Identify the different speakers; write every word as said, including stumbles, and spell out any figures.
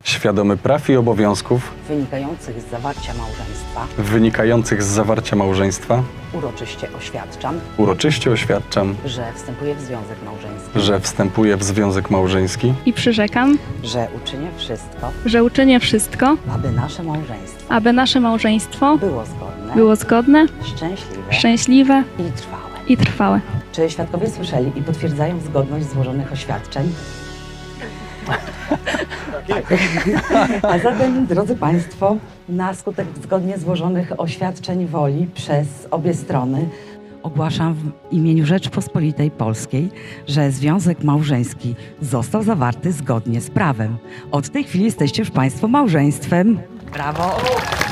Speaker 1: świadomy praw i obowiązków
Speaker 2: wynikających z zawarcia małżeństwa,
Speaker 1: wynikających z zawarcia małżeństwa,
Speaker 2: uroczyście oświadczam,
Speaker 1: uroczyście oświadczam,
Speaker 2: że wstępuję w związek małżeński,
Speaker 1: że wstępuję w związek małżeński
Speaker 3: I przyrzekam,
Speaker 2: że uczynię wszystko,
Speaker 3: że uczynię wszystko,
Speaker 2: aby nasze małżeństwo
Speaker 3: aby nasze małżeństwo
Speaker 2: było zgodne,
Speaker 3: było zgodne,
Speaker 2: szczęśliwe
Speaker 3: szczęśliwe
Speaker 2: i trwałe.
Speaker 3: i trwałe.
Speaker 2: Czy świadkowie słyszeli i potwierdzają zgodność złożonych oświadczeń? Tak. A zatem, drodzy Państwo, na skutek zgodnie złożonych oświadczeń woli przez obie strony ogłaszam w imieniu Rzeczpospolitej Polskiej, że związek małżeński został zawarty zgodnie z prawem. Od tej chwili jesteście już Państwo małżeństwem. Brawo!